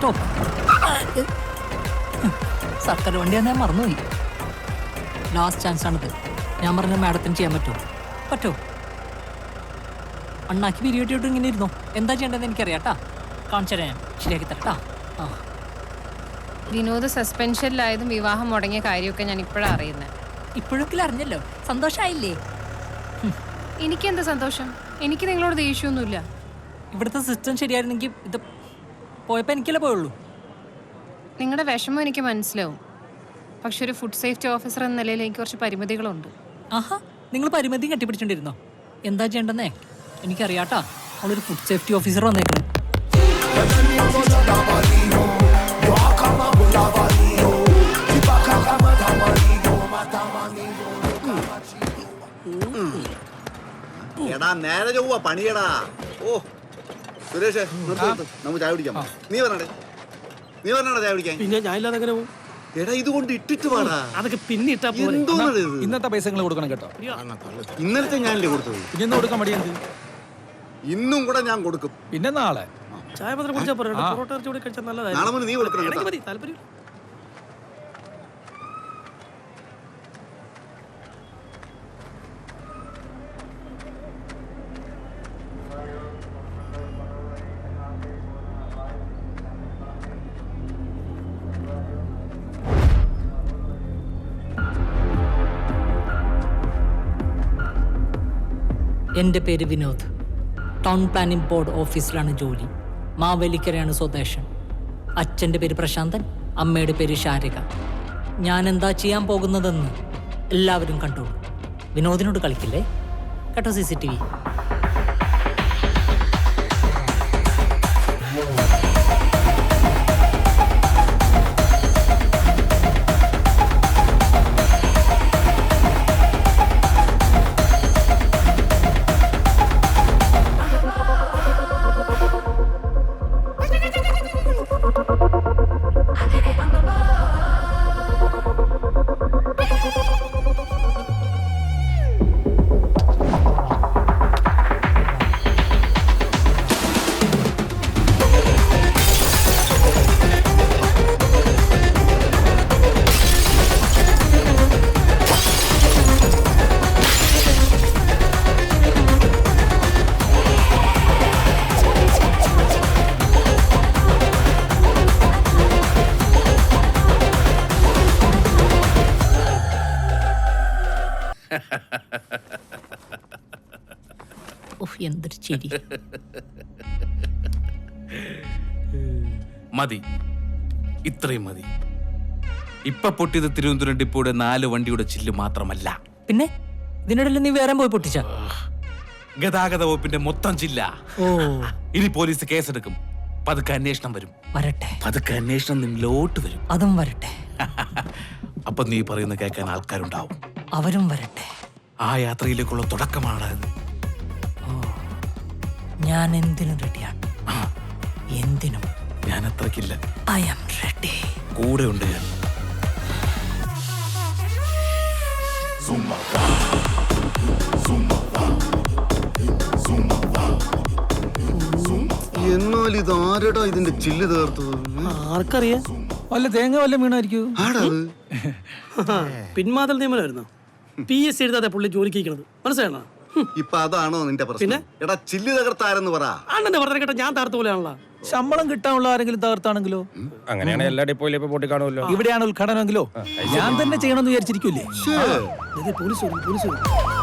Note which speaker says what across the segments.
Speaker 1: പറ്റോ? സർക്കാർ വണ്ടി ഞാൻ മറന്നുപോയി. ലാസ്റ്റ് ചാൻസ് ആണിത്. ഞാൻ പറഞ്ഞ മാഡത്തിന് ചെയ്യാൻ പറ്റോ? അണ്ണാക്കി പിരിയോട്ടിയോട്ട് ഇങ്ങനെ ഇരുന്നോ. എന്താ ചെയ്യേണ്ടതെന്ന് എനിക്കറിയാട്ടാ. കാണിച്ചു തരാം, ഞാൻ ശരിയാക്കി തരട്ടാ. ആ,
Speaker 2: വിനോദ് സസ്പെൻഷനിലായതും വിവാഹം മുടങ്ങിയ കാര്യമൊക്കെ ഞാൻ ഇപ്പോഴാണ് അറിയുന്നത്.
Speaker 1: ഇപ്പോഴൊക്കെ അറിഞ്ഞല്ലോ, സന്തോഷമായില്ലേ?
Speaker 2: എനിക്കെന്താ സന്തോഷം? എനിക്ക് നിങ്ങളോട് ദേഷ്യമൊന്നുമില്ല.
Speaker 1: ഇവിടുത്തെ സിസ്റ്റം ശരിയായിരുന്നെങ്കിൽ ഇത് പോയപ്പോൾ എനിക്കല്ലേ പോയുള്ളൂ.
Speaker 2: നിങ്ങളുടെ വിഷമം എനിക്ക് മനസ്സിലാവും. പക്ഷെ ഒരു ഫുഡ് സേഫ്റ്റി ഓഫീസർ എന്ന നിലയിൽ എനിക്ക് കുറച്ച് പരിമിതികളുണ്ട്.
Speaker 1: ആഹാ, നിങ്ങൾ പരിമിതിയും കെട്ടിപ്പിടിച്ചോണ്ടിരുന്നോ? എന്താ ചെയ്യേണ്ടെന്നേ എനിക്കറിയാട്ടാ. അവളൊരു ഫുഡ് സേഫ്റ്റി ഓഫീസർ വന്നേക്കണം.
Speaker 3: എടാ നേരെ ചൊവ്വ പണിയടാ. ഓ സുരേഷ്, നമുക്ക് ചായ കുടിക്കാം. നീ പറഞ്ഞേ ചായ കുടിക്കാൻ.
Speaker 4: പിന്നെ ഞാൻ ഇല്ലാതെ എങ്ങനെ പോകും?
Speaker 3: എടാ ഇതുകൊണ്ട് ഇട്ടിട്ട് പാടാ.
Speaker 4: അതൊക്കെ പിന്നെ ഇട്ടാ
Speaker 5: ഇന്നത്തെ പൈസ നിങ്ങൾ കൊടുക്കണം കേട്ടോ.
Speaker 3: ഇന്നലത്തെ ഞാനല്ലേ കൊടുത്തത്.
Speaker 5: പിന്നെ കൊടുക്കാൻ മടിയെന്ത്?
Speaker 3: ഇന്നും കൂടെ ഞാൻ കൊടുക്കും.
Speaker 5: പിന്നെ നാളെ
Speaker 4: ചായ പത്രം കുടിച്ചാൽ പൊറോട്ട ഇറച്ചി കൂടി കഴിച്ചാൽ നല്ലതായി.
Speaker 3: നാളെ മുതൽ നീ കൊടുക്കണം കേട്ടോ.
Speaker 4: മതി, താല്പര്യം.
Speaker 1: എൻ്റെ പേര് വിനോദ്. ടൗൺ പ്ലാനിംഗ് ബോർഡ് ഓഫീസിലാണ് ജോലി. മാവേലിക്കരയാണ് സ്വദേശം. അച്ഛൻ്റെ പേര് പ്രശാന്തൻ, അമ്മയുടെ പേര് ശാരിക. ഞാൻ എന്താ ചെയ്യാൻ പോകുന്നതെന്ന് എല്ലാവരും കണ്ടോളൂ. വിനോദിനോട് കളിക്കില്ലേ കേട്ടോ. CCTV. എന്തൊരു ചിരി.
Speaker 6: മതി, ഇത്രയും മതി. ഇപ്പൊ പൊട്ടിയത് തിരുവനന്തപുരം ഡിപ്പോയുടെ 4 വണ്ടിയുടെ ചില്ല് മാത്രമല്ല.
Speaker 1: പിന്നെ ഇതിനിടയിൽ നീ വേറെ പോയി പൊട്ടിച്ച?
Speaker 6: ഗതാഗത വകുപ്പിന്റെ മൊത്തം ചില്ല.
Speaker 1: ഓ,
Speaker 6: ഇനി പോലീസ് കേസെടുക്കും. പതുക്കെ അന്വേഷണം വരും.
Speaker 1: വരട്ടെ.
Speaker 6: പതുക്കെ അന്വേഷണം നിന്നിലോട്ട് വരും.
Speaker 1: അതും വരട്ടെ.
Speaker 6: അപ്പൊ നീ പറയുന്ന കേൾക്കാൻ ആൾക്കാരുണ്ടാവും.
Speaker 1: അവരും വരട്ടെ.
Speaker 6: ആ യാത്രയിലേക്കുള്ള തുടക്കമാണ്.
Speaker 1: ഞാൻ എന്തിനും റെഡിയാണ്. എന്തിനും.
Speaker 6: ഞാൻ അത്രക്കില്ല.
Speaker 1: I am ready.
Speaker 6: കൂടെ ഉണ്ട് ഞാൻ.
Speaker 3: എന്നാൽ ഇത് ആരടാ ഇതിന്റെ ചില്ല് തീർത്തത്?
Speaker 4: ആർക്കറിയാം?
Speaker 5: വല്ല തേങ്ങ വല്ല വീണായിരിക്കും.
Speaker 4: പിന്മാതൽ നിയമനമായിരുന്നു. PSC എഴുതാതെ പുള്ളി ജോലിക്ക് ഇരിക്കണത് മനസ്സിലാണോ?
Speaker 3: ഇപ്പൊ അതാണോ നിന്റെ പ്രശ്നം? എടാ ചില്ല് തകർത്താരെന്ന് പറ.
Speaker 4: അണ്ണന്റെ പറഞ്ഞ കേട്ടോ, ഞാൻ തകർത്ത പോലെയാണല്ലോ.
Speaker 5: ശമ്പളം കിട്ടാനുള്ള ആരെങ്കിലും തകർത്താണെങ്കിലോ?
Speaker 7: അങ്ങനെയാണ് എല്ലാ ഡിപ്പോയിലും ഇപ്പൊ പൊട്ടി കാണുമല്ലോ.
Speaker 5: ഇവിടെയാണ് ഉദ്ഘാടനമെങ്കിലോ ഞാൻ തന്നെ ചെയ്യണമെന്ന് വിചാരിച്ചിരിക്കൂലേ?
Speaker 4: പോലീസ് വരും.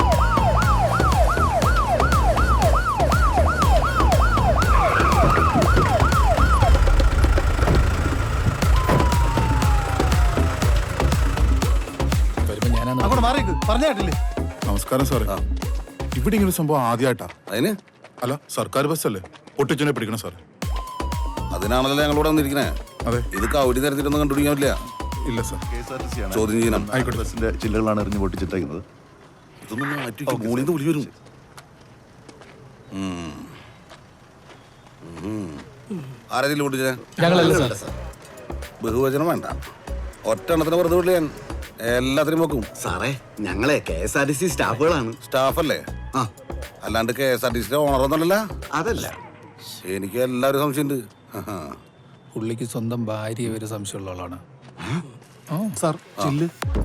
Speaker 8: നമസ്കാരം സാറേ. ഇവിടെ ഇങ്ങനെ സംഭവം ആദ്യമായിട്ടാ.
Speaker 3: അതിന്
Speaker 8: അല്ല, സർക്കാർ ബസ്സല്ലേ പൊട്ടിച്ചനെ പിടിക്കണം സാറേ.
Speaker 3: അതിനാണല്ലോ ഞങ്ങളിവിടെ വന്നിരിക്കണേ.
Speaker 8: അതെ,
Speaker 3: ഇത് കൗടി തരത്തിലൊന്നും കണ്ടുപിടിക്കാൻ പറ്റില്ല.
Speaker 8: ഇല്ല സാർ.
Speaker 3: ചോദ്യം ചെയ്യണം.
Speaker 8: ബസ്സിന്റെ
Speaker 3: ചില്ലുകളാണ് എറിഞ്ഞു പൊട്ടിച്ചിട്ടേക്കുന്നത്. ഇതൊന്നും മാറ്റി മൂളിന്ന് വിളി വരും. ആരെങ്കിലും പൊട്ടിച്ചേ? ബഹുവചനം വേണ്ട, ഒറ്റ എണ്ണത്തിന് വെറുതെ വിളില്ല. ഞാൻ എല്ലാത്തിനും നോക്കും സാറേ. ഞങ്ങളെ KSRTC സ്റ്റാഫുകളാണ്. സ്റ്റാഫല്ലേ? ആ, അല്ലാണ്ട് KSRTC ഓണറൊന്നുമല്ല. അതല്ല, എനിക്ക് എല്ലാവരും സംശയമുണ്ട്.
Speaker 5: പുള്ളിക്ക് സ്വന്തം ഭാര്യ വരെ സംശയമുള്ള ആളാണ്.
Speaker 8: Sir chill.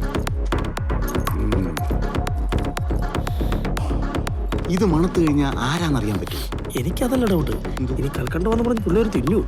Speaker 3: ഇത് മണത്ത് കഴിഞ്ഞാൽ ആരാന്നറിയാൻ പറ്റും.
Speaker 4: എനിക്കതല്ല ഡൗട്ട്. ഇനി കൽക്കണ്ട വന്ന് പറഞ്ഞ് പിള്ളേർ തിന്നു.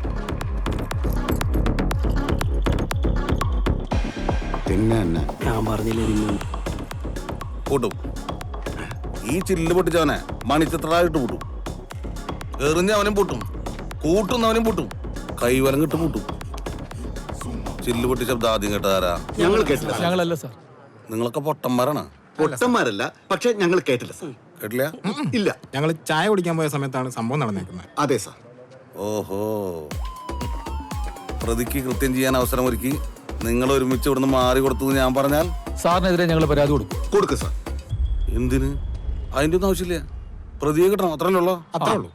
Speaker 3: പിന്നെ തന്നെ
Speaker 4: ഞാൻ പറഞ്ഞില്ലേ തിന്നു.
Speaker 3: കൂട്ടും. ഈ ചില്ല് പൊട്ടിച്ചവനെ മണിച്ചിത്രായിട്ട് പൂട്ടും. എറിഞ്ഞവനും പൂട്ടും, കൂട്ടുന്നവനും പൂട്ടും, കൈവലം കിട്ട് പൂട്ടും. ചില്ല് പൊട്ടി ശബ്ദം ആദ്യം കേട്ടതാരാ?
Speaker 9: ഞങ്ങൾ കേട്ടില്ല.
Speaker 5: ഞങ്ങളല്ല സാർ.
Speaker 3: നിങ്ങളൊക്കെ പൊട്ടന്മാരാണ്.
Speaker 9: പൊട്ടന്മാരല്ല, പക്ഷെ ഞങ്ങൾ കേട്ടില്ല സാർ.
Speaker 3: കേട്ടില്ല?
Speaker 9: ഇല്ല.
Speaker 7: ഞങ്ങൾ ചായ കുടിക്കാൻ പോയ സമയത്താണ് സംഭവം നടന്നേക്കുന്നത്.
Speaker 9: അതെ സാർ.
Speaker 3: ഓഹോ, പ്രതിക്ക് കൃത്യം ചെയ്യാൻ അവസരം ഒരുക്കി നിങ്ങൾ ഒരുമിച്ച് ഇവിടുന്ന് മാറി കൊടുത്തു ഞാൻ പറഞ്ഞാൽ
Speaker 5: സാറിനെതിരെ ഞങ്ങൾ പരാതി കൊടുക്കും.
Speaker 9: കൊടുക്ക് സാർ.
Speaker 3: എന്തിന്? അതിന്റെ ഒന്നും ആവശ്യമില്ല. പ്രതിയെ കിട്ടണം, അത്രല്ലേ ഉള്ളൂ.
Speaker 7: അത്രേ ഉള്ളൂ.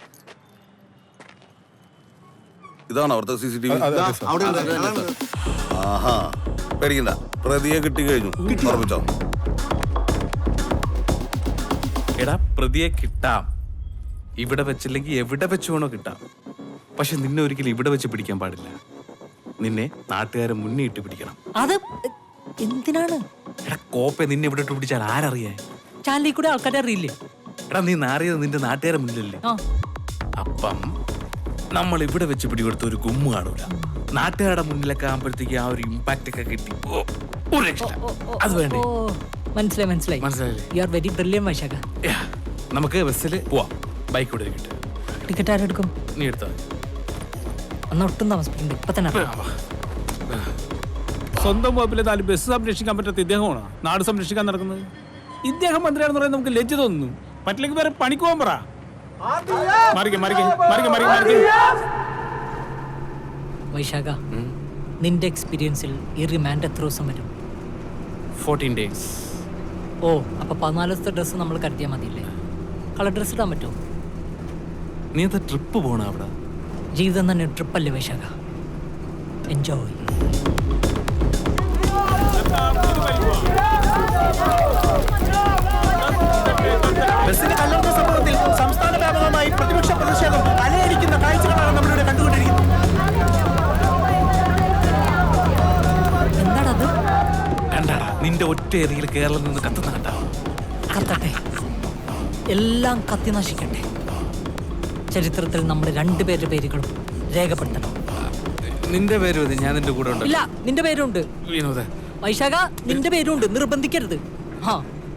Speaker 3: ഇതാണ് അവിടുത്തെ CCTV.
Speaker 9: അവിടെ ഉണ്ട്.
Speaker 3: ആഹാ, പേടിക്കണ്ട, പ്രതിയെ കിട്ടി കഴിഞ്ഞു. ഉറപ്പിച്ചോ?
Speaker 6: എടാ, പ്രതിയെ കിട്ടാം. ഇവിടെ വെച്ചില്ലെങ്കിൽ എവിടെ വെച്ച് വേണോ കിട്ടാം. പക്ഷെ നിന്നെ ഒരിക്കലും ഇവിടെ വെച്ച് പിടിക്കാൻ പാടില്ല. നിന്നെ നാട്ടുകാരെ മുന്നേ ഇട്ട് പിടിക്കണം.
Speaker 1: അത് എന്തിനാണ്?
Speaker 6: എടാ കോപ്പെ, നിന്നെ ഇവിടെ ഇട്ട് പിടിച്ചാൽ ആരറിയാൻ?
Speaker 1: ചാനലിൽ കൂടെ ആൾക്കാരെ അറിയില്ലേ?
Speaker 6: എടാ നീ നാറിയത് നിന്റെ നാട്ടുകാരെ മുന്നിലല്ലേ?
Speaker 1: ആ,
Speaker 6: അപ്പം നമ്മൾ ഇവിടെ വെച്ച് പിടികൊടുത്ത ഒരു ഗുമ്മ് കാണൂല. നാട്ടുകാരുടെ മുന്നിലൊക്കെ ആകുമ്പോഴത്തേക്ക് ആ ഒരു ഇമ്പാക്റ്റ് ഒക്കെ കിട്ടി. ഒരു രക്ഷയില്ല. അത് വേണ്ടേ?
Speaker 1: ഓ, മനസ്സിലായി മനസ്സിലായി.
Speaker 6: മനസ്സിലായില്ലേ?
Speaker 1: You are very brilliant Vaishakh.
Speaker 6: Yeah, നമുക്ക് ബസ്സിൽ പോവാം. ബൈക്ക് ഇവിടെ കിട്ടും.
Speaker 1: ടിക്കറ്റ് ആരെടുക്കും?
Speaker 6: നീ എടുത്താൽ മതി.
Speaker 1: അന്ന് ഒട്ടും താമസിപ്പിക്കണ്ട, ഇപ്പൊ തന്നെ ഇറങ്ങാം.
Speaker 5: സ്വന്തം വകുപ്പിലെ 4 ബസ് സംരക്ഷിക്കാൻ പറ്റാത്ത ഇദ്ദേഹമാണ് നാട് സംരക്ഷിക്കാൻ നടക്കുന്നത്. ഇദ്ദേഹം മന്ത്രിയാണെന്ന് പറയാൻ നമുക്ക് ലജ്ജ തോന്നുന്നു. പറ്റില്ലെങ്കിൽ വേറെ പണിക്ക് പോകാൻ പറ.
Speaker 1: വൈശാഖ, നിന്റെ എക്സ്പീരിയൻസിൽ ഈ റിമാൻഡ് എത്ര ദിവസം വരും?
Speaker 6: 14 days.
Speaker 1: ഓ, അപ്പൊ 14 ദിവസത്തെ ഡ്രസ്സ് നമ്മൾ കരുതിയാൽ മതിയില്ലേ? കളർ ഡ്രസ്സ് ഇടാൻ പറ്റുമോ?
Speaker 6: നീ എന്താ ട്രിപ്പ് പോണ അവിടെ?
Speaker 1: ജീവിതം തന്നെ ട്രിപ്പല്ലേ വൈശാഖ? എൻജോയ്.
Speaker 4: ബസ്സിന് കല്ലെടുത്ത സംഭവത്തിൽ സംസ്ഥാന വ്യാപകമായി പ്രതിപക്ഷ പ്രതിഷേധം അലയടിക്കുന്ന കാഴ്ചകളാണ് നമ്മളിവിടെ കണ്ടുകൊണ്ടിരിക്കുന്നത്.
Speaker 1: എന്താണത്?
Speaker 6: കണ്ടാടാ, നിന്റെ ഒറ്റ ഏരിയയിൽ കേരളം നിന്ന് കത്തുന്ന കണ്ടാ?
Speaker 1: കത്തട്ടെ, എല്ലാം കത്തി നശിക്കട്ടെ. ചരിത്രത്തിൽ നമ്മൾ 2 പേരുടെ പേരുകളും രേഖപ്പെടുത്തണം.
Speaker 6: നിന്റെ പേര് മതി, ഞാൻ നിന്റെ കൂടെ ഉണ്ട്.
Speaker 1: ഇല്ല, നിന്റെ പേരുണ്ട്.
Speaker 6: വിനോദ,
Speaker 1: വൈശാഖ, നിന്റെ പേരുണ്ട്. നിർബന്ധിക്കരുത്. ആ,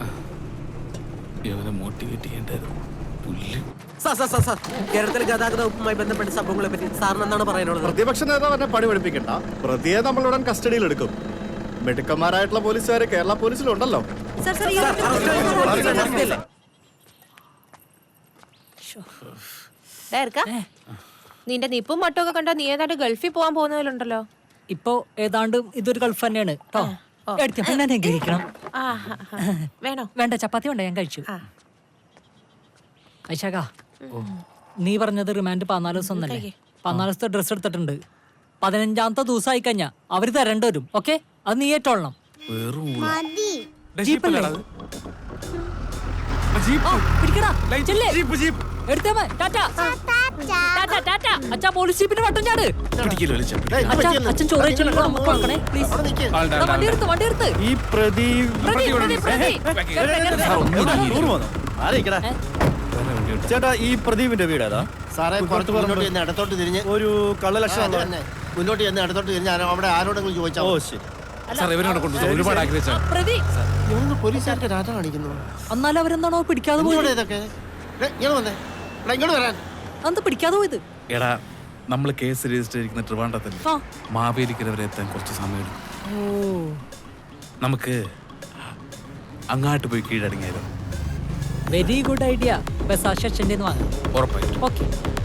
Speaker 6: ഇവനെ മോട്ടിവേറ്റ് ചെയ്യേണ്ടത് പുല്ല്.
Speaker 4: സാർ, കേരളത്തിലെ ഗതാഗത വകുപ്പുമായി ബന്ധപ്പെട്ട സംഭവങ്ങളെ പറ്റി സാറിന് എന്താണ് പറയാനുള്ളത്?
Speaker 10: പ്രതിപക്ഷ നേതാവ് പണി പഠിപ്പിക്കണ്ട. പ്രതിയെ നമ്മളുടൻ കസ്റ്റഡിയിൽ എടുക്കും. മിടുക്കന്മാരായിട്ടുള്ള പോലീസുകാര് കേരള പോലീസിലുണ്ടല്ലോ.
Speaker 2: നിന്റെ നിപ്പും മട്ടും ഒക്കെ കണ്ടാ നീ ഏതാണ്ട് ഗൾഫിൽ പോകാൻ പോകുന്നതിലുണ്ടല്ലോ.
Speaker 1: ഇപ്പോ ഏതാണ്ട് ഇതൊരു ഗൾഫ് തന്നെയാണ് കേട്ടോ. എടുത്ത പിന്നെ ഞാൻ കഴിക്കണം.
Speaker 2: വേണോ?
Speaker 1: വേണ്ട, ചപ്പാത്തി വേണ്ട, ഞാൻ കഴിച്ചു. വൈശാഖ, നീ പറഞ്ഞത് റിമാൻഡ് 14 ദിവസം എന്നല്ലേ? 14 ദിവസത്തെ ഡ്രസ് എടുത്തിട്ടുണ്ട്. 15ാമത്തെ ദിവസമായി കഴിഞ്ഞാ അവര് തരേണ്ടി വരും. ഓക്കെ, അത് നീ ഏറ്റോളണം.
Speaker 6: വെറും
Speaker 1: ജീപ്പല്ലേ? ആ, പിടിക്കടാ. ചെല്ല്. എടുത്തേ മോൻ. ടാറ്റാ. ടാറ്റാ, ടാറ്റാ. അച്ഛാ, പോലീസ് ജീപ്പിന്റെ വട്ടം ചാട്. അച്ഛാ, അച്ഛൻ ചോറ് കഴിച്ചിട്ടുണ്ടോ? നമുക്ക് കൊടുക്കണേ പ്ലീസ്. വണ്ടി എടുത്ത്.
Speaker 10: ഈ പ്രതി ചേട്ടാ, ഈ പ്രദീപിന്റെ വീട് ഏതാ?
Speaker 9: സാറേ, പുറത്ത് മുന്നോട്ട് ചെന്ന് ഇടത്തോട്ട് തിരിഞ്ഞ്
Speaker 10: ഒരു കള്ളലക്ഷണം.
Speaker 9: മുന്നോട്ട് ചെന്ന് ഇടത്തോട്ട് തിരിഞ്ഞ് അവിടെ ആരോടെങ്കിലും ചോദിച്ചാൽ.
Speaker 10: ഓ ശരി.
Speaker 6: സാർ, ഇവനോട് കൊണ്ടുപോയി ഒരുപാട് ആഗ്രഹിച്ചാണ്.
Speaker 1: പ്രതി,
Speaker 9: പോലീസുകാർക്ക് രാജ കാണിക്കുന്നു.
Speaker 1: എന്നാലും അവരെന്താണോ പിടിക്കാതെ പോയത്?
Speaker 9: ഇതൊക്കെ ഇങ്ങോട്ട് വന്നേ. ഇങ്ങോട്ട് വരാൻ.
Speaker 1: അന്ത് പിടിക്കാതെ പോയത്?
Speaker 6: എടാ, നമ്മൾ കേസ് രജിസ്റ്റർ ചെയ്തിരിക്കുന്ന ട്രിവാൻഡ്രത്തല്ലേ?
Speaker 1: ആ.
Speaker 6: മാവേലിക്കര വരെ എത്താൻ കുറച്ച് സമയം എടുക്കും.
Speaker 1: ഓ,
Speaker 6: നമുക്ക് അങ്ങാട്ട് പോയി കീഴടങ്ങിയാലോ?
Speaker 1: Very good idea. ബസ് ആ സെക്ഷൻ്റെ വാങ്ങാം.
Speaker 6: ഉറപ്പായിട്ടും.
Speaker 1: ഓക്കെ.